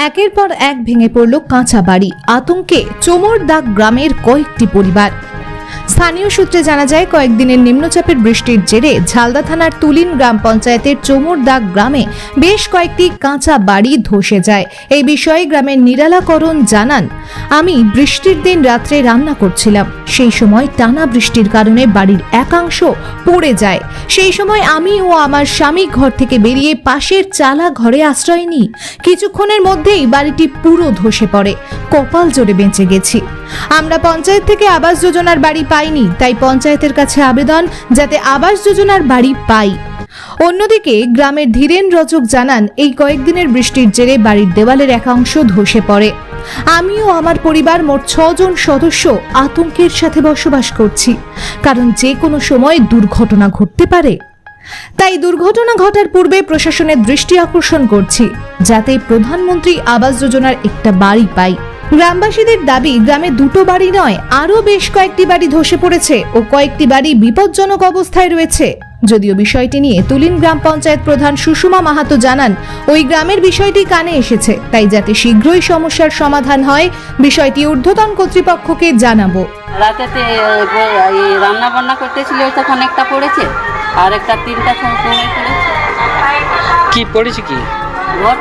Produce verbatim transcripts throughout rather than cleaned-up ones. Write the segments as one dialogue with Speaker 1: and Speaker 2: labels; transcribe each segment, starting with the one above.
Speaker 1: একের পর এক ভেঙে পড়ল কাঁচা বাড়ি। আতঙ্কে চোমরদাগ গ্রামের কয়েকটি পরিবার। স্থানীয় সূত্রে জানা যায়, কয়েকদিনের নিম্নচাপের বৃষ্টির জেরে ঝালদা থানার তুলিন গ্রাম পঞ্চায়েতের চোমরদাগ গ্রামে বেশ কয়েকটি কাঁচা বাড়ি ধসে যায়। এই বিষয়ে গ্রামের নিরালাকরণ জানান, আমি বৃষ্টির দিন রাত্রে রান্না করছিলাম। সেই সময় টানা বৃষ্টির কারণে বাড়ির একাংশ পড়ে যায়। সেই সময় আমি ও আমার স্বামী ঘর থেকে বেরিয়ে পাশের চালা ঘরে আশ্রয় নিই। কিছুক্ষণের মধ্যেই বাড়িটি পুরো ধসে পড়ে। কপাল জোরে বেঁচে গেছি। আমরা পঞ্চায়েত থেকে আবাস যোজনার বাড়ি পাইনি, তাই পঞ্চায়েতের কাছে আবেদন যাতে আবাস যোজনার বাড়ি পাই। অন্যদিকে গ্রামের ধীরেন রজক জানান, এই কয়েকদিনের বৃষ্টির জেরে বাড়ির দেওয়ালের একাংশ ধসে পড়ে। আমিও আমার পরিবার মোট ছজন সদস্য আতঙ্কের সাথে বসবাস করছি, কারণ যে কোনো সময় দুর্ঘটনা ঘটতে পারে। তাই দুর্ঘটনা ঘটার পূর্বে প্রশাসনের দৃষ্টি আকর্ষণ করছি, যাতে প্রধানমন্ত্রী আবাস যোজনার একটা বাড়ি পাই। গ্রামবাসীদের দাবি, গ্রামে দুটো বাড়ি নয়, আরও বেশ কয়েকটি বাড়ি ধসে পড়েছে ও কয়েকটি বাড়ি বিপজ্জনক অবস্থায় রয়েছে। যদিও বিষয়টি নিয়ে তুলিন গ্রাম পঞ্চায়েত প্রধান সুষমা মাহাতো জানান, ওই গ্রামের বিষয়টি কানে এসেছে, তাই যাতে শীঘ্রই সমস্যার সমাধান হয় বিষয়টি ঊর্ধ্বতন কর্তৃপক্ষকে জানাবো।
Speaker 2: রাতেতে রান্না বান্না করতেছিল, তখন একটা পড়েছে আর একটা তিনটা সময় পড়েছে।
Speaker 3: কি পড়েছে? কি
Speaker 2: ঘর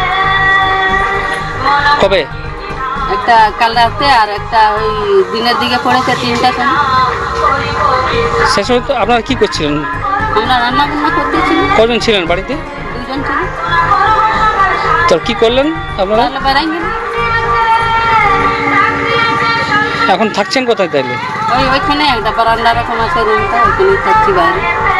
Speaker 3: কবে?
Speaker 2: একটা কাল রাতে আর একটা ওই দিনের দিকে পড়েছে তিনটা সময়।
Speaker 3: শেষ হয়ে তো আপনারা কি করছিলেন?
Speaker 2: আমরা রান্না বান্না করতেছিলাম।
Speaker 3: কজন ছিলেন বাড়িতে?
Speaker 2: দুজন ছিল।
Speaker 3: তো কি করলেন আপনারা?
Speaker 2: তাহলে বেড়াই গেল।
Speaker 3: এখন থাকছেন কোথায় তাইলে?
Speaker 2: ওই ওইখানে একটা বারান্দা রকম আছে, রুমটা ওইখানে থাকছি, বাইরে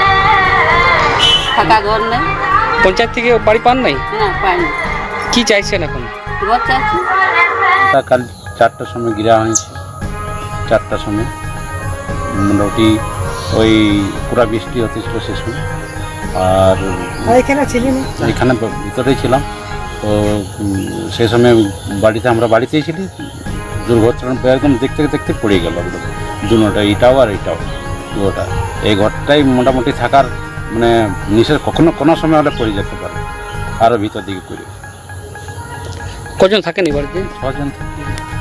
Speaker 2: থাকা ঘর নেই।
Speaker 3: পঞ্চায়েত থেকে বাড়ি পান নাই?
Speaker 2: না, পাইনি।
Speaker 3: কি চাইছেন এখন?
Speaker 2: ঘর চাইছি।
Speaker 4: কাল চারটার সময় গিরা হয়েছে। চারটার সময় মোটামুটি ওই পুরা বৃষ্টি হতেছিল সে সময়। আর এখানে ছিলেন? এখানে ভিতরেই ছিলাম। তো সেই সময় বাড়িতে আমরা বাড়িতেই ছিলি। দুর্ঘটনা একদম দেখতে দেখতে পড়ে গেল একদম দুটা, এটাও আর এটাও ওটা। এই ঘরটাই মোটামুটি থাকার মানে নিষেধ, কখনো কোনো সময় হলে পড়ে যেতে পারে, আরও ভিতর দিকে পড়ে।
Speaker 3: কজন থাকেন এই বাড়িতে?
Speaker 4: ছজন থাকি।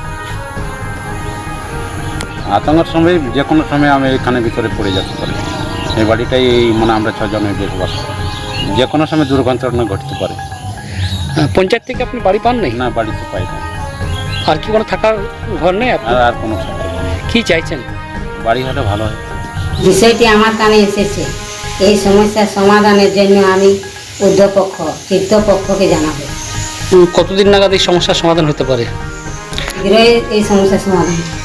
Speaker 4: আতঙ্কের সময় যে কোনো সময় আমি এখানে ভিতরে পড়ে যেতে পারি। এই বাড়িটাই মানে আমরা ছজনে বসবাস করি, যে কোনো সময় দুর্ঘটনা ঘটতে পারে।
Speaker 3: পঞ্চায়েত থেকে আপনি বাড়ি পান নাই?
Speaker 4: না, বাড়িতে পাই না।
Speaker 3: আর কি কোনো থাকার ঘর নেই আপনার?
Speaker 4: আর কোনো থাকার ঘর নেই।
Speaker 3: কি চাইছেন?
Speaker 4: বাড়ি হলে ভালো হয়।
Speaker 5: বিষয়টি আমার কানে এসেছে। এই সমস্যার সমাধানের জন্য আমি ঊর্ধ্বপক্ষ কর্তৃপক্ষকে জানাবো।
Speaker 3: কতদিন নাগাদ এই সমস্যার সমাধান হতে পারে?
Speaker 5: শীঘ্রই এই সমস্যার সমাধান।